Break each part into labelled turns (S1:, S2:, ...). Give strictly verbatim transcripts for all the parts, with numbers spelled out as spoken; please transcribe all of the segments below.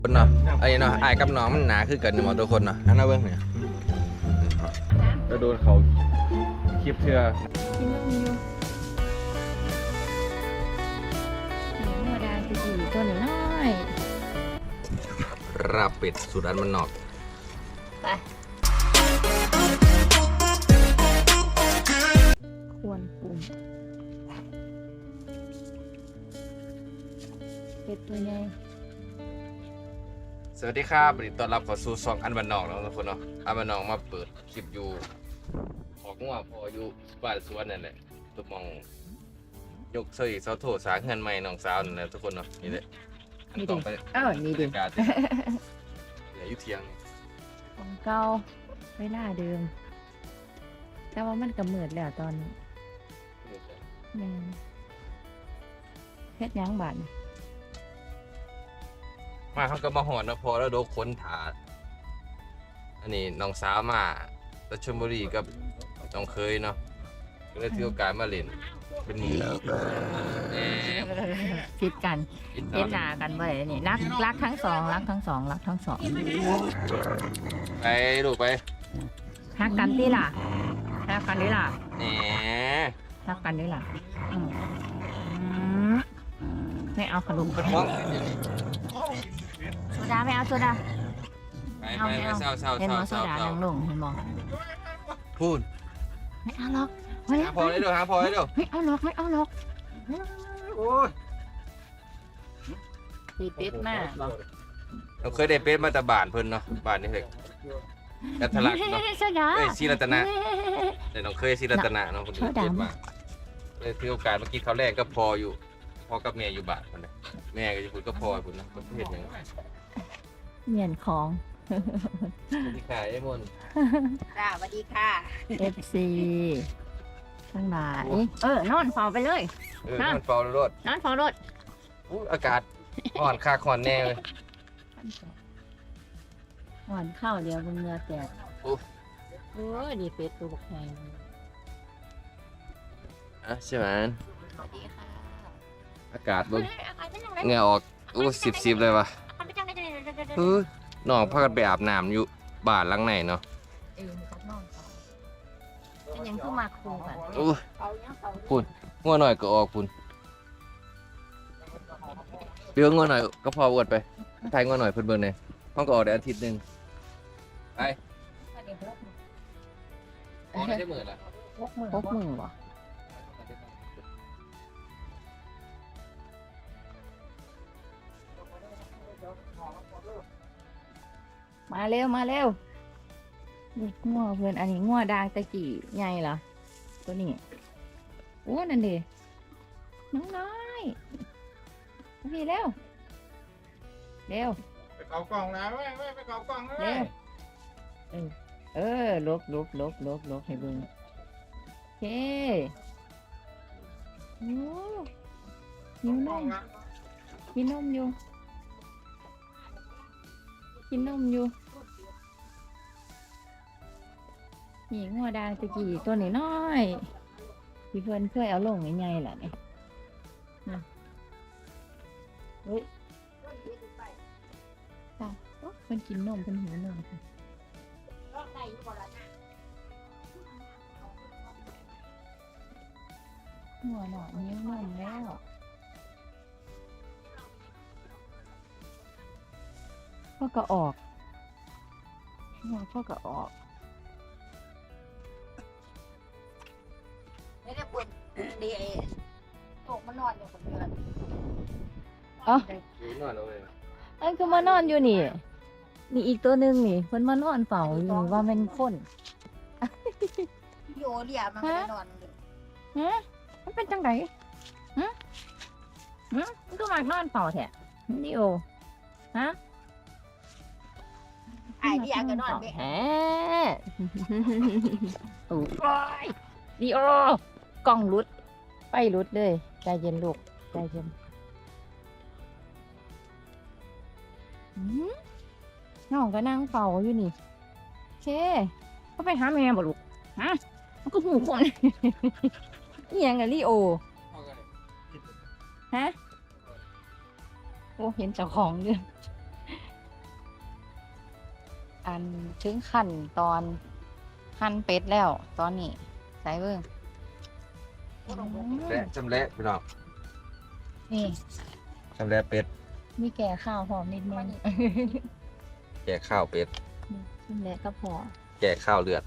S1: คนเนาะไอ้เนาะไอ้กับน้องมันหนาคือกันหมดทุกคนเนาะอันนั้นเบิ้งเนี่ยจะโดนเขาคลิปเชื่อ
S2: กินนมอยู่หนูธรรมดาจะอยู่ตัวน้อย
S1: ราบเป็ดสูตรอันมันนอก
S2: ไปควรปรุงเป็ดตัวใหญ่
S1: สวัสดีครับวันนี้ต้อนรับเข้าสู่ช่องอันบันนอกแล้วทุกคนเนาะอันบันนอกมาเปิดคลิปอยู่ออกงัวพออยู่บ้านสวนนั่นแหละตุกมองยกเสื้อเสาโถสางเงินใหม่น้องสาวนั่นแหละทุกคนเนาะนี่แหละอันต่อไป
S2: เออนี่ดิ
S1: การเหลืออยู่เทียง
S2: ของเก่าเวลาเดิม แต่ว่ามันกำเนิดแล้วตอนนี้แม่นเฮ็ดหยังบาดนี่
S1: มาเขาก็มาหอดนะพอแล้วโดนค้นถาดอันนี้น้องสาวมารัชลบุรีกับน้องเคยเนาะก็เลยถือโอกาสมาเล่นเป็นหมู่แหม
S2: ผิดกัน
S1: อิน
S2: เฮ็ดหน้ากันบ่ได้นี่รักรักทั้งสองรักทั้งสองรักทั้งสอง
S1: ไปลูกไป
S2: รักกันติล่ะรักกันดิล่ะ
S1: แหม
S2: รักกันดิล่ะอืมอืมไม่เอาขนม
S1: คนมอง
S2: โซดาไม่เอาโซดา
S1: ไปไปไปเศร้าเศร้า
S2: เห็น
S1: เศ
S2: ม
S1: ร้า
S2: อโซ
S1: เศร้า
S2: ดา
S1: เศร้า
S2: นั่งลงเห็นมอ
S1: พูด
S2: ไม่เอาหรอกไม่
S1: หาพอได้เดี๋ยวหาพอได้เดี๋ยว
S2: ไม่เอาหรอกไม่เอาหรอก
S1: โอ้ย
S2: ตีเป็ดมากบอก
S1: เราเคยได้เป็นมาแต่บ้านเพิ่นเนาะบ้านนี่เลยกัทะลักเนาะ
S2: โซดา
S1: เอ้ยศรีรัตนะแต่น้องเคยศรีรัตนะเนาะคนอื่น
S2: เขาด่า
S1: เจ็บมากเลยถือโอกาสเมื่อกี้เขาแรกก็พออยู่พ่อกับแม่อยู่บ้านคนนี้แม่ก็จะพูดก็พอคุณนะคนที่เห็นอย่าง
S2: เหมียนของ
S1: ที่ขายไอ้มน
S3: จ้าสวัสดีค่ะ
S2: เอฟ ซี ทั้งหลายเออนอนเฝ้าไปเลย
S1: เออมันเฝ้ารถ
S2: นอนเฝ้ารถ
S1: อู้อากาศอ่อนค่าคอนแน่เลย
S2: หวานข้าวเดียวบนเรือแตก
S1: โอ้
S2: โอ้ยดีเป็ดตัวบกใหญ่
S1: อะใช่ไหม
S3: สวัสดีค่ะ
S1: อากาศเบิ่ง
S3: อากาศเป็นยังไง
S1: เหงื่อออกอู้สิบสิบเลยวะ
S3: อากาศเป็นยังไง
S1: เฮ้ยน้องพากันไปอาบน้ำอยู่บ้านหลังไหนเนาะ
S2: เออมันก็นอนต่อเป็นยังคือมาคูกัน
S1: อู้
S3: เขายังเขา
S1: พูดงัวหน่อยก็ออกคุณเบี้ยงัวหน่อยก็พออวดไปถ่ายงัวหน่อยเพิ่นเบิ่งหน่อยห้องก็ออกได้อาทิตย์หนึงไปออกได้ได้มื้อละ
S3: พกมือ
S2: พกมือวะมาเร็วมาเร็วนี่งัวเพื่อนอันนี้งัวดางตะกี้ใหญ่เหรอตัวนี้โอ้นั่นดิน้องน้อยพี่เร็วเร็ว
S4: ไปเกากล่องนะเว้ยเว้ยไปเกากล่องนะ
S2: เร็
S4: เว้ยว
S2: เออเออลบลบลบลบลบให้เบิ่งโอเคโอ้หิวนมกินนมอยู่กินนมอยู่นี่งัวดางตะกี้ตัวนี้น้อยๆที่เพื่อนเคยเอาลงใหญ่ๆแหละนี่นะเฮ้ยตายโอ๊ะเพิ่นกินนมเพิ่นหิวนมค่ะ
S3: รอบไหนอยู่บ่ล่ะนะ
S2: หัวหนอนนิ้วนมแล้วพ่อก็ออกหัวพ่อก็ออก
S3: ไม่ได้ปวดดีเอตกมานอนอยู่บนเรือน
S1: อยู่นอนแล้วเว้ย
S2: อันคือมานอนอยู่นี่ นี่อีกตัวหนึ่งนี่เพิ่นมานอนเฝ้าอยู่ว่าเป็นคน
S3: โยเดียมันไม่ได้นอนเลย
S2: ฮะมันเป็นจังไดฮะฮะมันก็มานอนเฝ้าแท้นี่โอฮะ
S3: ไอเดียก็นอนไม่
S2: แหมโอ้ยดีโอกล้องรุด ไปรุดเลยใจเย็นลูกใจเย็นหืมน้องก็นั่งเฝ้าอยู่นี่โอเคก็ไปหาแม่บ่ลูกฮะมันก็หูคน นี่ยังไงลีโอฮะโอ้เห็นเจ้าของด้วยอันถึงขั้นตอนหั่นเป็ดแล้ว ตอนนี้ใส่เบิ่งอืม
S1: และจำและพี่น้อง
S2: นี่
S1: จำและเป็ด
S2: มีแก่ข้าวหอมนิดนึง
S1: แก่ข้าวเป็ด
S2: นี่ชิมแล้วก็พอ
S1: แก่ข้าวเลือด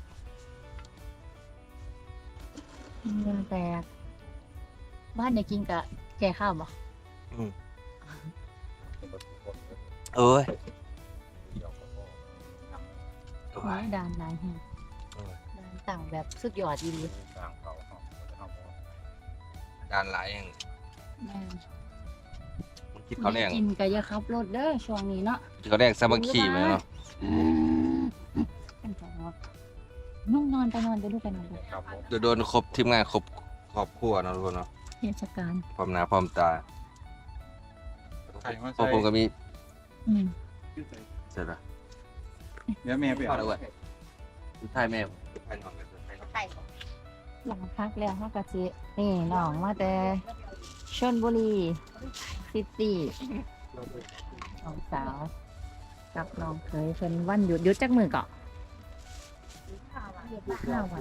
S2: เงินแตกบ้านอยากกินกะแก่ข้าวบ่
S1: เอ้ย
S2: โอ้ยดานหลายแฮงดานต่างแบบสุดยอดดี
S1: ด้านหลายแห่ง
S2: แม่น
S1: มันคิดเขาวแรง
S2: กินกะอย่าขับรถเด้อช่วงนี้เนาะ
S1: คิดเขาวแรงสามัคคีไหมเนาะ
S2: กันจังเนาะนุ่งนอนไปนอนไปลูกไปนอนไป
S1: โดนโดนครบทีมงานครบครอบครัวเนาะทุกคนเนาะ
S2: เทศกาล
S1: พร้อมหน้าพร้อมตา
S4: ไข่มา
S1: พว
S4: ใส่
S1: กผมก็มี
S2: อืม
S1: เสร็จละ
S4: เดี๋ยวแม่ไป
S1: เอา
S4: เอา
S1: ละเว้ยสุดท้ายแม่สุดท้ายน้องกันสุดท้ายน้อง
S3: ไข่
S2: หลังพักแล้วเฮากะสินี่น้องมาแต่ชลบุรีซิตี้น้องสาว กับน้องเคยเพิ่นวันหยุดหยุดจักมื้อเกาะห้าวัน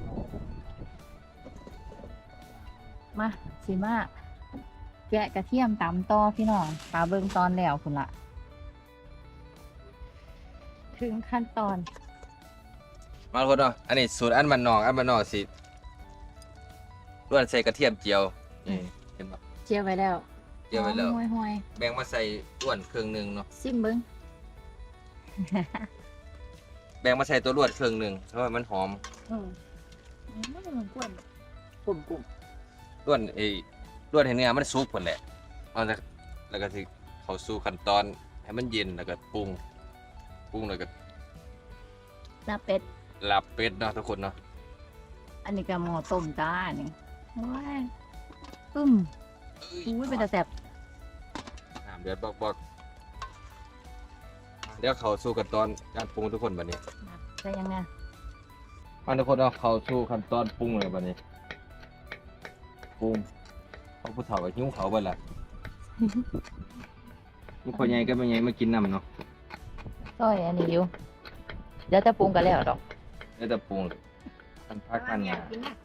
S2: มาสิมาแกะกระเทียมตำต่อพี่น้องปลาเบิ่งตอนแล้วคุณละถึงขั้นตอน
S1: มาทุกคนเนาะอันนี้สูตรอันมันนอกอันมันนอกสิล้วนใส่กระเทียมเจียวนี่เห็นปะ
S2: เจียวไว้แล้ว
S1: เจียวไว้แล้ว
S2: ห่วยห่วย
S1: แบ่งมาใส่ล้วนเครื่องหนึงเนาะ
S2: ๆซิมเบิ่ง
S1: แบ่งมาใส่ตัวล้วนเครื่องหนึงเพราะว่ามันหอม
S2: อืมอืมมันกวนกลุ่มกลุ่ม
S1: ล้วนไอ้ล้วนให้เนื้อมันสุกพุ่นแหละเอาจากแล้วก็สิเข้าสู่ขั้นตอนให้มันเย็นแล้วก็ปรุงปรุงแล้วก็
S2: ลาเป็ด
S1: ลาบเป็ดเนาะทุกคนเนาะ
S2: อันนี้ก็หม้อต้มจ้านี่โอ้ยปึ้มอุ้ยเป็นตาแสบ
S1: น้ำเดือดบอกๆเดี๋ยวเข้าสู่ขั้นตอนการปรุงทุกคนบัดนี้
S2: ใช่ยังไง
S1: มาทุกคนเนาะเข้าสู่ขั้นตอนปรุงเลยบัดนี้ปรุงเอาผู้เฒ่าก็หิวเขาวเบิดล่ะ มีคนใหญ่ก็ไม่ใหญ่มากินน้ำเนาะ
S2: ซอยอันนี้อยู่เดี๋ยวจะปรุงกันแล้วดอก
S1: แล้วแต่ปรุงกันพักกันเนี่ย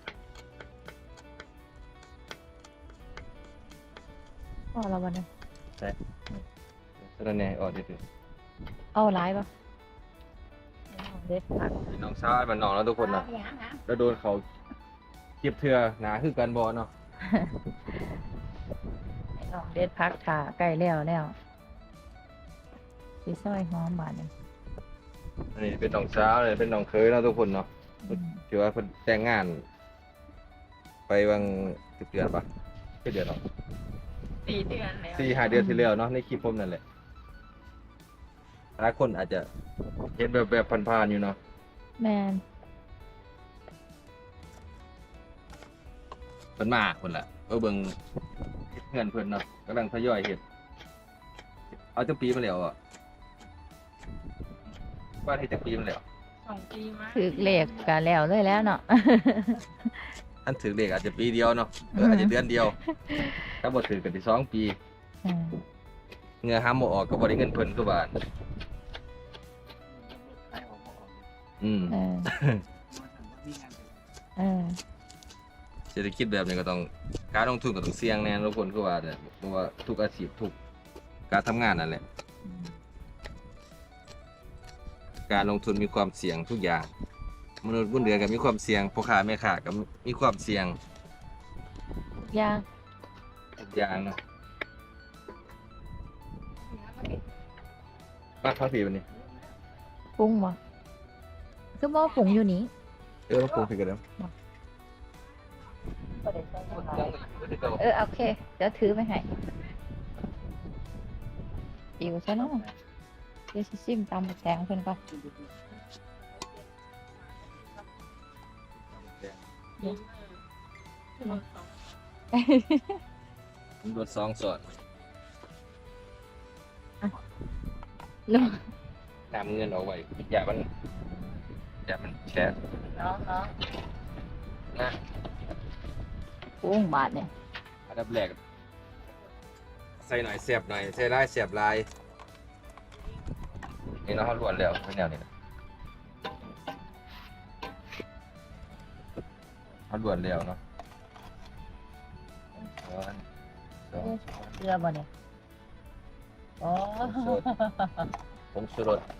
S2: พอแล้ววันนี้
S1: สระแหน่ออกดิ
S2: เอาหลายปะเด็ดผัก
S1: พี่น้องชาวบ้านน้องแล้วทุกคนนะแล้วโดนเขาเก็บเถื่อหนาคือกันบอเนาะ
S2: ให้น้องเด็ดผักถ่าไก่แล้วแล้วสีซอยหอมบาดเนี่ย
S1: อันนี้เป็นน้องสาวเลยเป็นน้องเคยเนาะทุกคนเนาะ
S2: อืม
S1: ถือว่าเพิ่นแต่งงาน ไปบางสิบเดือนปะกี่เดือนเนาะ
S2: สี่เดือนแล้ว
S1: สี่ห้าเดือนที่แล้วเนาะในคลิปผมนั่นแหละหลายคนอาจจะเห็นแบบแบบผ่านๆอยู่เนาะ
S2: แมน
S1: เพิ่นมาเพิ่นละเออเบิ่งเฮ็ดเงินเพิ่นเนาะกำลังทยอยเฮ็ดเอาจักปีมาแล้วอ่ะบ้านเฮ็ดจักปีมาแล้ว
S3: สองปีมา
S2: ถือเหล็กกันแล้วเลยแล้วเนาะ
S1: อันถือเลขอาจจะปีเดียวเนาะเอออาจจะเดือนเดียว ถ้าบ่ถือกันที่สองปี
S2: อืม
S1: เงือห้ามบ่ออกก็บ่ได้เงินเพิ่นทุกบาทอืม
S2: เออเออ
S1: เศรษฐกิจแบบนี้ก็ต้องการลงทุนก็ต้องเสี่ยงแน่ทุกคนคือว่าเนี่ยเพราะว่าทุกอาชีพทุกการทำงานนั่นแหละ การลงทุนมีความเสี่ยงทุกอย่าง มนุษย์บนเรือก็มีความเสี่ยงพ่อค้าแม่ค้าก็มีความเสี่ยง
S2: ยาง
S1: ทุกอย่างเนาะมาพักผีวันนี้
S2: ปรุงบ่คือบ่ปรุงอยู่นี้
S1: เออมาปรุงผีกันแล้ว
S2: เออโอเค เดี๋ยวถือไปให้อิวซะเนาะเดี๋ยวสิซิมตำบักแตงเพิ่นก่อน
S1: ผมรถสองสอด
S2: ลูก
S1: นำเงินเอาไว้อย่ามันอย่ามันแชร์
S2: เนาะเนาะ
S1: นะ
S2: ปรุงบาทเนี่ย
S1: อันดับแรกใส่หน่อยเสียบหน่อยใส่ลายเสียบลายนี่เนาะเขาล้วนแล้วเป็นแนวนี้นะเอาด่วนแล้วเนาะสองสอง
S2: เรือบ่เนี่ยอ๋อ
S1: ผงชูรส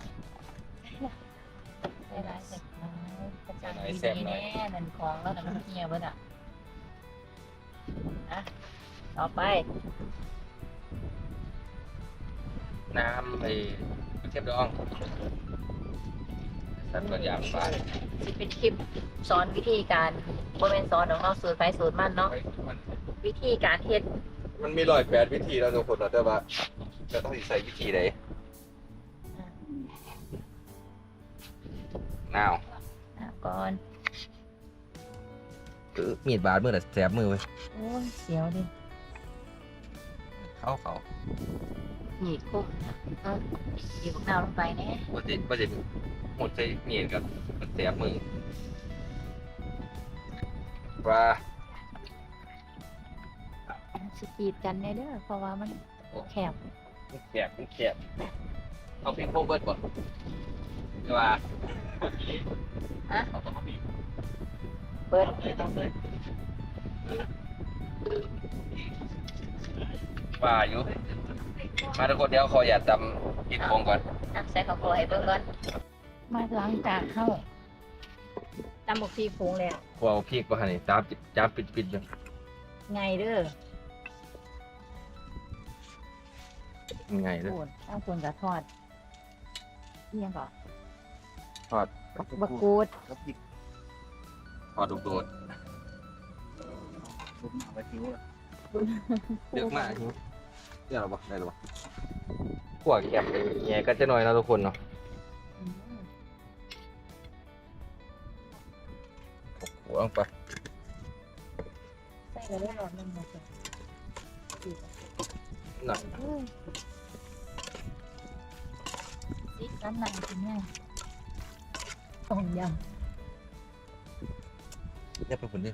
S2: ใส่หลายใส่น้อยกระจังดีๆแน่นั่นของแล้วแต่มันเหี่ยวเบิดอ่ะนะต่อไป
S1: น้ำไอ้เทียมดองสัตว์ตัวอย่างปลา
S2: สิเป็นคลิปสอนวิธีการบ่แม่นสอนของเราสูตรไฟสูตรมันเนาะ
S1: มัน
S2: วิธีการเฮ็ด
S1: มันมีร้อยแปดวิธีแล้วทุกคนเนาะแต่ว่าจะต้องใส่วิธีใดนาว
S2: อ่ะก่อน
S1: คือมีดบาดมือแต่แสบมือเว้ย
S2: โอ้ยเสียวดิ
S1: เขาเขา
S2: หยีกคุ้มนะเออหยีกพวกเราลงไปแน่
S1: ปกติปกติหมดใส่มีดกับมันแสบมือปลา
S2: สกรีดกันแน่เด้อเพราะว่ามันแคบ
S1: มันแสบมันแสบเอาพริกโคเบิร์ดก่อนใช่ป่ะ
S2: อะ
S1: เอาเอาพริก
S2: เปิด
S1: ปลาอยู่มาทุกคนเดี๋ยวขออย่าจำกินโคงก่อน
S2: อ่ะใส่ข้าวโพดให้เบิ่งก่อนมาล้างจานเข้าตำบักพีผงแล้ว
S1: กลัวเอาพริกป่ะฮะนี่จ้าบจ้าบปิดปิดเลย
S2: ไงเด้อ
S1: ยังไงเลย
S2: โอนเอาคนกับทอดเอียงก่อน
S1: ทอด
S2: บักกูด
S4: ครับอีก
S1: ทอดโดด
S4: ผมเอาไปทิ้งละ
S1: ๆเยอะมากเยอะหรอปะได้หรอปะขวดแคบแง่ก็จะน้อยนะทุกคนเนาะ
S2: อืม
S1: หัวลงไป
S2: ใส่ไปได้หลอดหนึงหมดเลยดีจัง
S1: หนัก
S2: เอ้ยซิกน้ำหนักจริงไงต้มย
S1: เรียบไปคนเดียว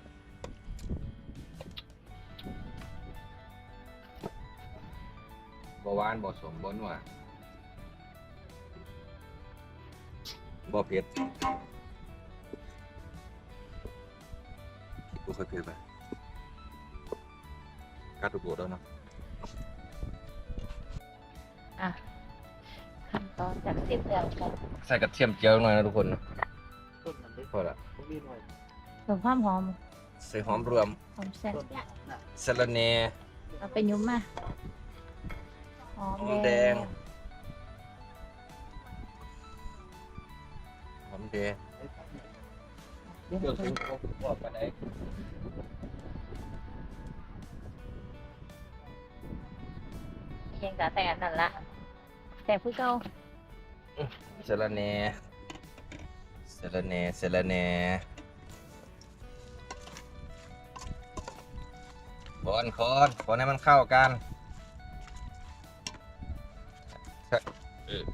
S1: บ่หวานบ่สมบ่นัวบ่เผ็ดบ่ค่อยเผ็ดไปกัดโดดๆแล้วเนาะ
S2: ำอ่ะขั้นตอนจากเสร็จแล้วกัน
S1: ใส่กระเทียมเจียวหน่อยนะทุกคนนะ
S4: ต้นมันเล็ก
S1: พอละ
S4: ผมมีหน่อย
S2: เพิ่มความหอม
S1: ใส่หอมรวม
S2: หอมแซ่บ
S4: ต้นน่ะ
S1: สะระแหน่
S2: เอาไปยุ้มมาหอม
S1: หอมแดง หอมแดง
S4: ไอ้ต้นเนี่ย
S2: เดี๋ยว
S1: เดี๋ยวถึงเขาบอกกันได้
S2: ยังแต่แต่อันนั่นละแต่ผู้เก่า
S1: สะระแหน่สะระแหน่สะระแหน่บอนคอนคอนให้มันเข้ากันเออ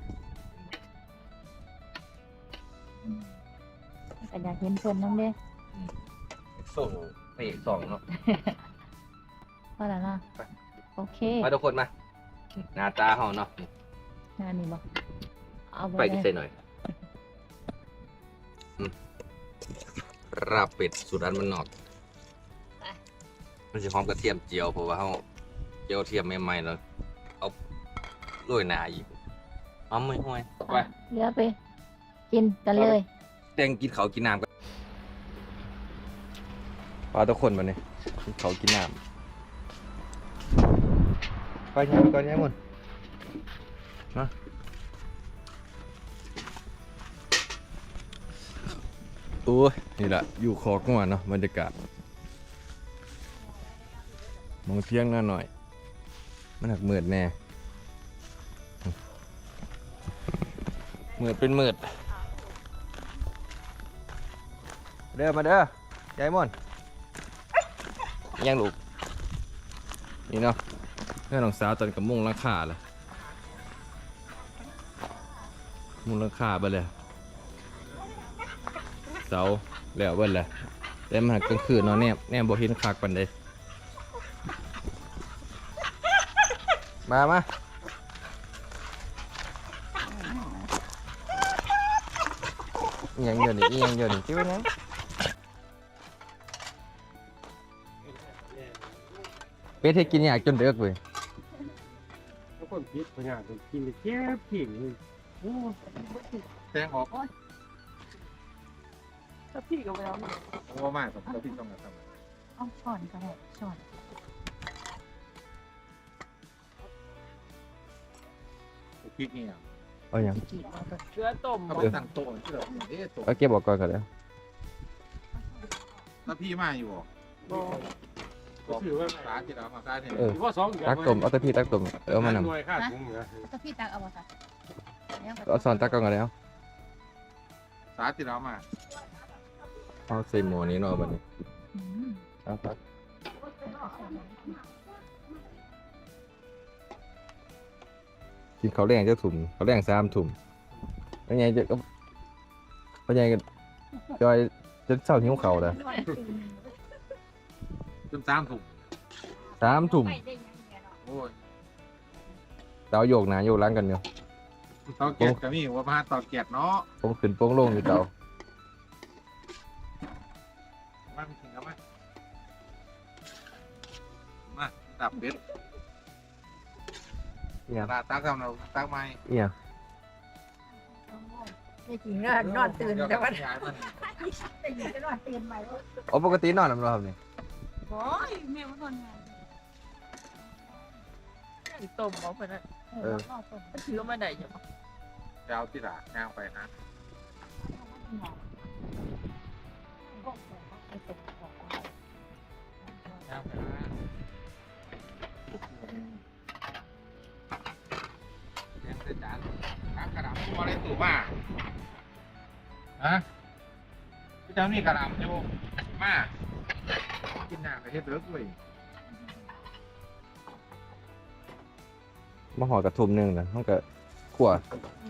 S2: แต่อยากเห็นเพิ่นน้ำเด้
S1: ส่งไปอีกสองเนาะ
S2: พอแล้วเนาะโอเค
S1: มาทุกคนมา หน้าตาเขาเนาะ
S2: งานนี้บอกเอา
S1: ไป
S2: ไป
S1: กิน
S2: เล
S1: ใส่
S2: ย
S1: หน่อยอืมราบเป็ดสูตรอันมันนอก มันจะหอมกระเทียมเจียวเพราะว่าเขาเจียวเทียมใหม่ๆแล้วเอาโรยหน้าอีกหอมไม่ห่วยไป
S2: เหลือไป กินกันเลย
S1: แตงกินเขาวกินน้ำกันปลาทุกคนมาเนี่ยกินเขาวกินน้ำไปยังก่อนยังหมดนะโอ้ยนี่แหละอยู่คอกงัวเนาะบรรยากาศมองเที่ยงหน้าหน่อย มันหักมืดแน่มืดเป็นมืดเด้อมาเด้อยายม่อนยังลูกนี่เนาะเพื่อนของสาวตอนกับมุงราคาเลยมุงราคาไปเลยเสาแล้วเบิ้ลเลยแต่มันหักกลางคืนเนาะแนบแนบบ่เห็นคักปันเลยมามาอิหยังเดี๋ยวนี้อิหยังเดี๋ยวนี้ที่ว่าไงเป็ดให้กินอยากจนเด็กเว้ย
S4: แล้วคนพิษพญาคนกินเจ็บผิงเลยโอ้แทงออก
S3: ถ้าพี่ก็ไปแล้ว
S4: โอ้มากกับเราพี่ต้องทำ
S2: เอาช้อนก็ได้ช้อน
S4: พริกนี่
S1: เอาอย่าง
S2: กี่เอาตัว
S3: เชื้อต้ม
S4: เขาไปตั้งโต๊ะที่เราเอ๊ะโต๊ะ
S1: เอาเก็บออกก่อนก็แล้ว
S4: แล้วพี่มาอยู่บ่ก็คือว่าร้านที่เรามาได้เนี่ย
S1: เออ
S4: ว่าสอง
S1: ตักต้มเอาแตะพี่ตักต้มเอามานำ
S4: หน่วยค่าถุงเหรอ
S2: ตัวพี่ตักเอาบ่จ้ะเนี่ย
S1: เอาซอนตักก่อนก็แล้ว
S4: สาที่เรามา
S1: เอาใส่หม้อนี้เนาะบัดนี้
S2: อืม
S1: เอาตักกินข้าวแรงจะถุ่มข้าวแรงสามถุ่มแล้วไงจะก็แล้วไงก็จอยจะเช้าหิวข้าวแล้ว
S4: จนสามถุง
S1: สามถุ่ม
S4: โอ้ย
S1: เตาโยกหน้าโยกหลังกันอยู่
S4: ตอเกียดก็มีว่ามาตอเกียดเนาะ
S1: โป่งขึ้นโป่งลงอยู่เตา
S4: มาไม่ถึงแล้วมั้ยมาดับเบ็ด
S1: เนี่ย
S4: ตาตักเอาเราตักไม้
S1: เนี่ย
S3: ไม่จริงนะนอนตื่นแต่ว่า
S4: ย้ายมัน
S3: แต่ยิงจะนอนตื่นใหม่
S1: โอ้ปกตินอนนำเราครับนี่
S3: โอ้ยแม่มันนอนไงต้มเอาไปนะ
S1: เออ
S3: ถือมาไหนอยู่
S4: จะเอาที่หลังย่างไปนะย่างไปนะเรียนเสร็จจานตักกระดาษตัวอะไรตัวมาฮะพี่เจ้านี่กระดาษอยู่มากินหน้าไปเฮ็ดเลิกเว้ย
S1: มาห่อกระทุ่มหนึงนะมันก็ขั่ว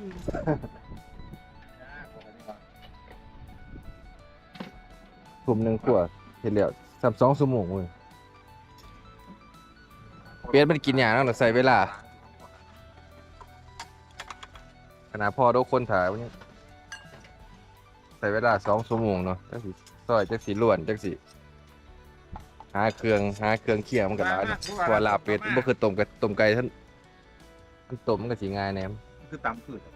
S1: ทุ่มหนึงขั่วเฮ็ดแล้วสามสองชั่วโมงเว้ยเป็ดมันกินหยังเนาะใส่เวลาขนาดพ่อทุกคนถ่ายมันยังใส่เวลาสองชั่วโมงเนาะจักสิซอยจักสิล้วนจักสิหาเครื่องหาเครื่องเคี่ยวมันก็หลายเนาะเพราะว่าลาบเป็ดมันบ่คือต้มกับต้มไก่ท่านมันต้มมันก็สิง่ายแหนม
S4: คือตำผืด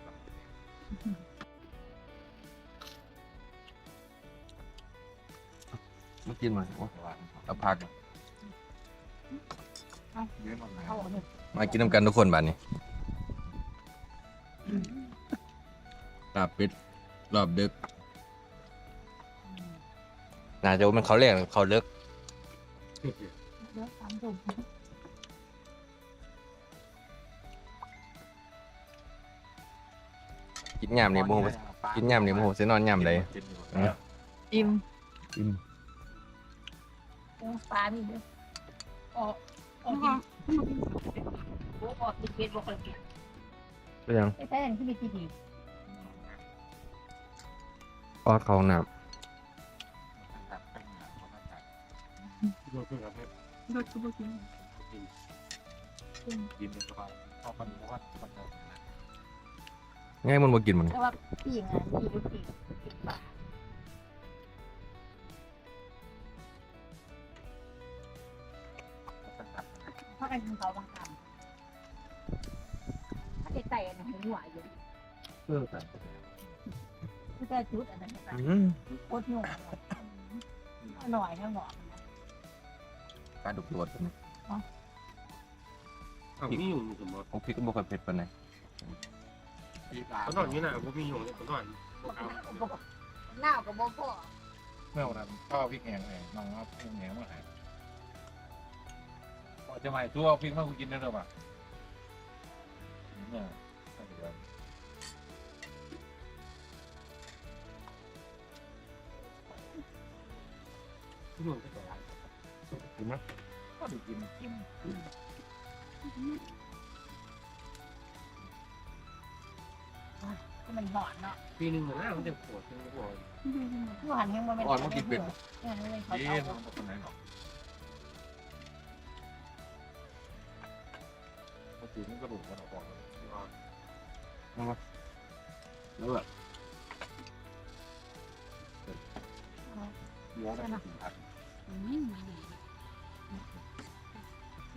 S1: มากินมาเอาผัก
S4: เยอะมาก
S3: เอาหนึ่ง
S1: มากินน้ำกันทุกคนบัดนี้ลาบเป็ดรอบดึกน่าจะว่ามันเขาแรกหรือเขาเลิก
S3: เยอะสามถุง
S1: กินยำนี่โมโหกินยำนี่โมโหสินอนยำเลย
S3: อิ่ม
S1: อิ่ม
S3: ปูปลานี่ด้วยออกออกกินปูออกกินเป็ดบอกเลย
S1: ก็ยัง
S2: ไปใช้อันที่มีที่ดี
S1: อ้อเขาห้องน้
S3: รสก็บ่กิน
S4: กินเป็นสบายพอมันเพราะว่ามันจะ
S1: ำง่ายมันมากินมัน
S3: แต่ว่าปีงานมีลูกปีปีปลาเพราะกันเขาบางคำถ้าใจใจอันนั้นหัวอยู่
S4: เออแต่
S3: คือแต่จุดอันนั้นไป
S1: อืม
S3: โคตรหนุ่มอร่อยทั้งหมด
S1: ปลาดุกรส
S4: เอามีอยู่สมมติ
S1: ของพริกก็บ่ค่อยเผ็ดปานใด
S4: เขานอนอยู่ไหนผมมีอยู่เขานอน
S3: หน้ากับบ่พ่อ
S4: เมื่อวันนั้นพ่อพริกแห้งไงน้องเอาพริกแห้งมาให้พอจะใหม่ตัวพริกมาคุณกินได้หรือเปล่าเนี่ย
S1: กินไหม
S4: ก็ดูกินกิน
S3: มันหอนเนาะ
S4: ปีหนึ่งเหมือนกันมันจะปวดเป็นปวด
S3: ผู้หันแห้งมันเป็น
S1: อ่อนมากินเป็ด
S3: เนี่ยมันเป็นเขา
S4: เอ๊ะ
S3: เอา
S4: มันคนไหนหรอกปกติมันกระดูกมันออกก่อน
S1: แล้วแบบ
S4: เยอะนะ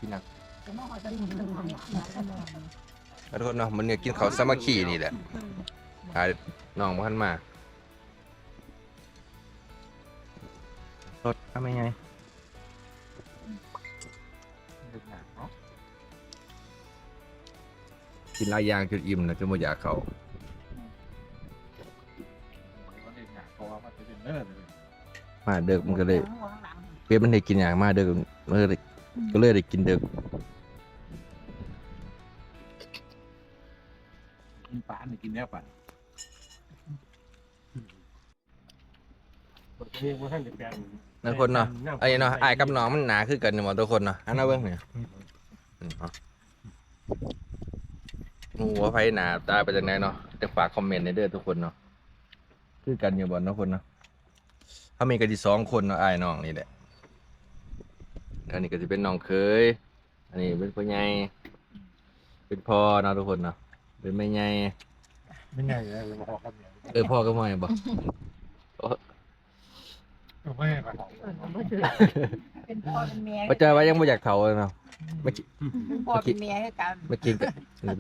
S1: กินหนัก
S3: จะมาขอจะกินขนมเนี่ย
S1: ขอโทษเนาะมันเนี่ยกินข้าวสามัคคีนี่แหละหาน้องบ่ทันมารถทำยังไง
S4: เด็กหนักเนาะ
S1: กินหลายอย่างจนอิ่มนะจนบ่อยากเข้า
S4: เด็กหนักเพราะว่ามันจะเป็นเนื้อเลย
S1: มาเด็กมันก็เลย
S3: หัวข้างหลัง
S1: เป๊ะมันได้กินอย่างมาเด็กมันก็เลยก็เลยได้กินเด็ก
S4: กินปลาเนี่ยกินแน่ปลาเรียกว่าท่านจะแปลง
S1: นั่นคนเนาะไอ้เนาะอ้ายกับน้องมันหนาคือกันอยู่หมดทุกคนเนาะอันนั้นเบิ่งเนี่ยอืมเนาะงูว่าไผหนาตาไปจากไหนเนาะจะฝากคอมเมนต์ในเด้อทุกคนเนาะคือกันอยู่บ่เนาะคนเนาะเขามีกันที่สองคนเนาะอ้ายน้องนี่แหละอันนี้ก็จะเป็นน้องเคยอันนี้เป็นพ่อใหญ่เป็นพ่อเนาะทุกคนเนาะเป็นแม่ใหญ่
S4: ไม่ไงเลยมาขอคำเดียว
S1: เออพ่อก็ไม่บ่
S4: ไม่ให้มา
S3: เป็นพ่อเป็นเมีย
S1: ปัจจัยว่ายังไม่อยากเฒ่าเลยเนาะไม่คิด
S3: เป็นพ่อเป็นเมียให้กัน
S1: ไม่กินกัน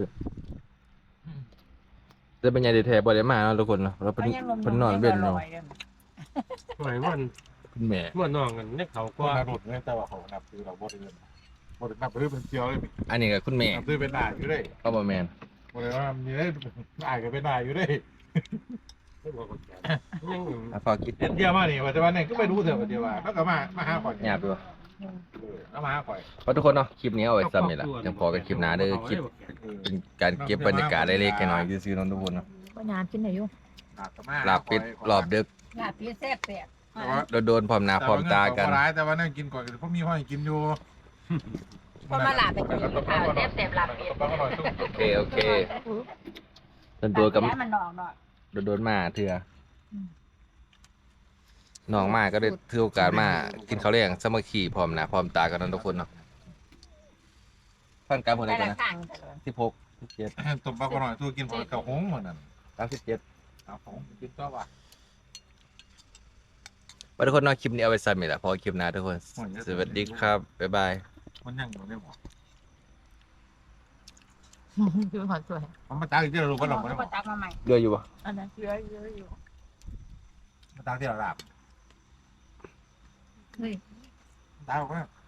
S1: จะเป็นยังไงแท้บ่ได้มาเนาะทุกคนเนาะเราเป็นเป็นนอนเว้นเนาะ
S5: หมายว่า
S1: คุณแม่
S5: เมื่อนอนกันเนี่ยเขา
S4: ก็
S5: ก็
S4: นับหลุดเนี่ยแต่ว่าเขานับคือเราบริเวณบริเวณนับไปเรื่อยเป็นเที่ยวเลย
S1: อันนี้ก็คุณแม่
S4: นับด้วยเป็นหน้าอยู่เลย
S1: ก็บ่แม่น
S4: บริเวณมีได้หน้าก็เป็นหน้าอยู่เลย
S5: ไม่บอกคนแก่ยัง
S1: อ่ะฝากคิด
S4: เที่ยวมาเนี่ยปัจจุบันเนี่ยก็ไปดูเถอะปัจจุบันแล้วก็มามาหาข่อย
S1: หยาบอยู่
S4: แล้วมาหาข่อย
S1: เพราะทุกคนเนาะคลิปนี้เอาไว้ซ้ำนี่ล่ะยังพอกันคลิปหน้าเด้อคลิปเป็นการเก็บบรรยากาศเล็กๆน้อยๆซื่อๆเนาะทุกคนเนาะ
S2: ก็น้ำกินหน่อยอยู่
S1: ลาบเป็ดรอบดึก
S3: หน้าพี่แซ่บแซ่บ
S1: โดนๆพร้อมหน้าพร้อมตากัน
S4: ร้ายแต่ว่านั่งกินก่อนเพราะมีห้อยกินอยู่
S3: ก็มาหลาบไปกินข้าวแซ่บแซ่บหลาบเป็ด
S1: โอเคโอเคโดนๆกับ
S3: ให้มันนอกหน่อย
S1: โดนๆมาเถื่อน้องมาก็ได้ถือโอกาสมากินข้าวเลี้ยงสามัคคีพร้อมหน้าพร้อมตากันเนาะทุกคนเนาะฟันกรรมคนใด
S3: แต่
S1: กัน
S3: ละ
S1: นะ
S3: ข้าง
S1: สิบหกสิบเจ็ด
S4: ตบปลาหน่อยตัวกินผักกระหงเหมือนนั่น
S1: สามสิบเจ็ด
S4: กระหงกินก็ว่า
S1: ไปทุกคนเนาะคลิปนี้เอาไว้ซ้ำนี่แหละพอคลิปหน้าทุกคน สวัสดีครับ บ๊ายบาย
S4: มันยังอยู่ได้หมด
S2: ดูหอสวย
S4: มันมาตากที่เรารู้ว่าเราไม่ได้หม
S3: ก็
S4: ด
S3: ตักมาใหม่
S1: เยอะอยู่ปะ
S3: อันนั้นเยอะเยอะอยู่
S4: มาตากที่เราลาบ
S3: เฮ้ย
S4: ตากก็